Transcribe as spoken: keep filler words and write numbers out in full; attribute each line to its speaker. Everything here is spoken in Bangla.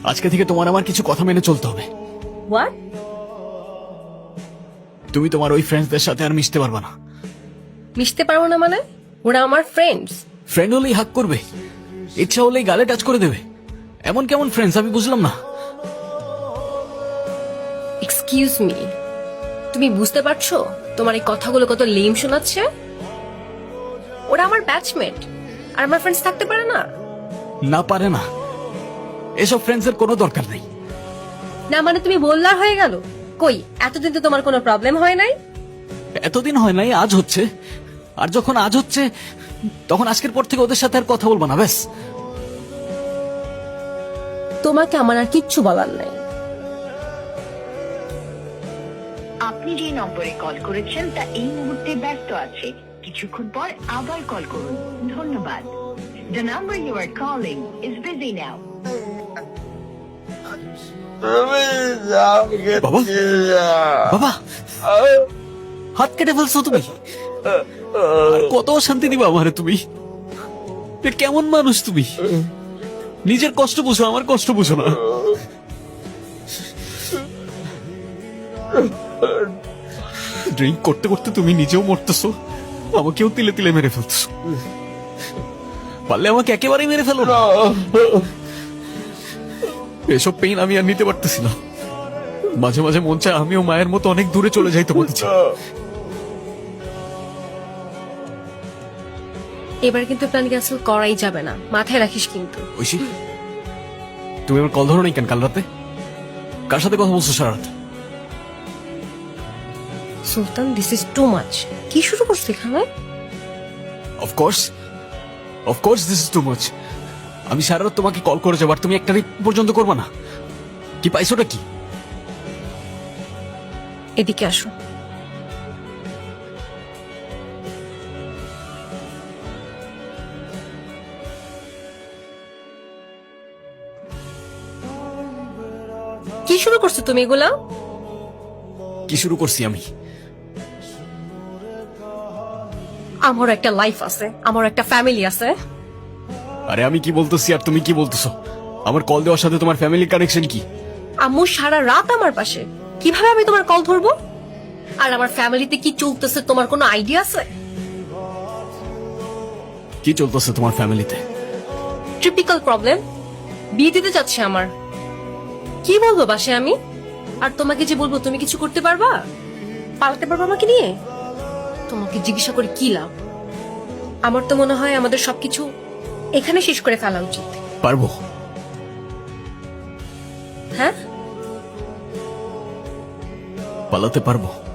Speaker 1: আজকে থেকে তোমার আমার কিছু কথা মেনে চলতে হবে।
Speaker 2: হোয়াট?
Speaker 1: তুমি তোমার ওই ফ্রেন্ডসদের সাথে আর মিশতে পারবে না।
Speaker 2: মিশতে পারবো না মানে? ওরা আমার ফ্রেন্ডস।
Speaker 1: ফ্রেন্ড হলেই হাক করবে, ইচ্ছা হলেই গালে টাচ করে দেবে, এমন কেমন ফ্রেন্ডস আমি বুঝলাম না।
Speaker 2: এক্সকিউজ মি, তুমি বুঝতে পারছো তোমার এই কথাগুলো কত লেম শোনাচ্ছে? ওরা আমার ব্যাচমেট আর আমার ফ্রেন্ডস থাকতে পারে না?
Speaker 1: না পারে না, এসব ফ্রেন্ডসের কোনো দরকার নেই।
Speaker 2: না মানে তুমি বললার হয়ে গেল? কই এতদিন তো তোমার কোনো প্রবলেম হয় নাই।
Speaker 1: এতদিন হয় নাই, আজ হচ্ছে। আর যখন আজ হচ্ছে তখন আজকের পর থেকে ওদের সাথে আর কথা বলবো না, ব্যাস।
Speaker 2: তোমাকে আমার আর কিচ্ছু বলার নাই।
Speaker 3: আপনি যে নম্বরে কল করেছেন তা এই মুহূর্তে ব্যস্ত আছে, কিছুক্ষণ পর আবার কল করুন। ধন্যবাদ। The number you are calling is busy now.
Speaker 1: বাবা, বাবা, হাত কেটে ফেলছো তুমি। আর কত শান্তি দিবা আমারে তুমি? এ কেমন মানুষ তুমি? নিজের কষ্ট বুঝো, আমার কষ্ট বুঝো না। ড্রিঙ্ক করতে করতে তুমি নিজেও মরতেছো, আমাকেও তিলে তিলে মেরে ফেলতেছো। পারলে আমাকে একেবারেই মেরে ফেলো না। এসব পেইন আমি আর নিতে পারতেছি না। মাঝে মাঝে মন চায় আমিও মায়ের মতো অনেক দূরে চলে যাই তোমাদের ছেড়ে।
Speaker 2: এবার কিন্তু প্ল্যান ক্যান্সেল করাই যাবে না, মাথায় রাখিস কিন্তু।
Speaker 1: ঐশী, তুমি আমার কল ধরো নাই কেন কাল রাতে? কার সাথে কথা বলছো সারা রাত?
Speaker 2: Sultan, this is too much. কি শুরু করছো এখানে?
Speaker 1: Of course of course this is too much. আমি সারা রাত তোমাকে কল করে যাবার, তুমি একটা রিপ পর্যন্ত করবা না? কি পাইছোটা কি?
Speaker 2: এদিকে আসো। কি শুরু করছো তুমি এগুলা?
Speaker 1: কি শুরু করছি আমি?
Speaker 2: আমার একটা লাইফ আছে, আমার একটা ফ্যামিলি আছে।
Speaker 1: আরে আমি কি বলতেছি আর তুমি কি বলতেছো? আমার কল দেওয়ার সাথে তোমার ফ্যামিলি কানেকশন কি?
Speaker 2: আম্মু সারা রাত আমার পাশে, কিভাবে আমি তোমার কল ধরবো? আর আমার ফ্যামিলিতে কি চলতেছে তোমার কোনো আইডিয়া আছে?
Speaker 1: কি চলতেছে তোমার ফ্যামিলিতে?
Speaker 2: ট্রিপিক্যাল প্রবলেম, বিয়ে দিতে যাচ্ছে আমার। কি বলবো বাসে আমি? আর তোমাকে যে বলবো তুমি কিছু করতে পারবা? পালাতে পারবা আমাকে নিয়ে? তোমাকে জিজ্ঞাসা করে কি লাভ? আমার তো মনে হয় আমাদের সবকিছু এখানে শেষ করে ফেলা উচিত।
Speaker 1: পারবো।
Speaker 2: হ্যাঁ,
Speaker 1: পালাতে পারবো।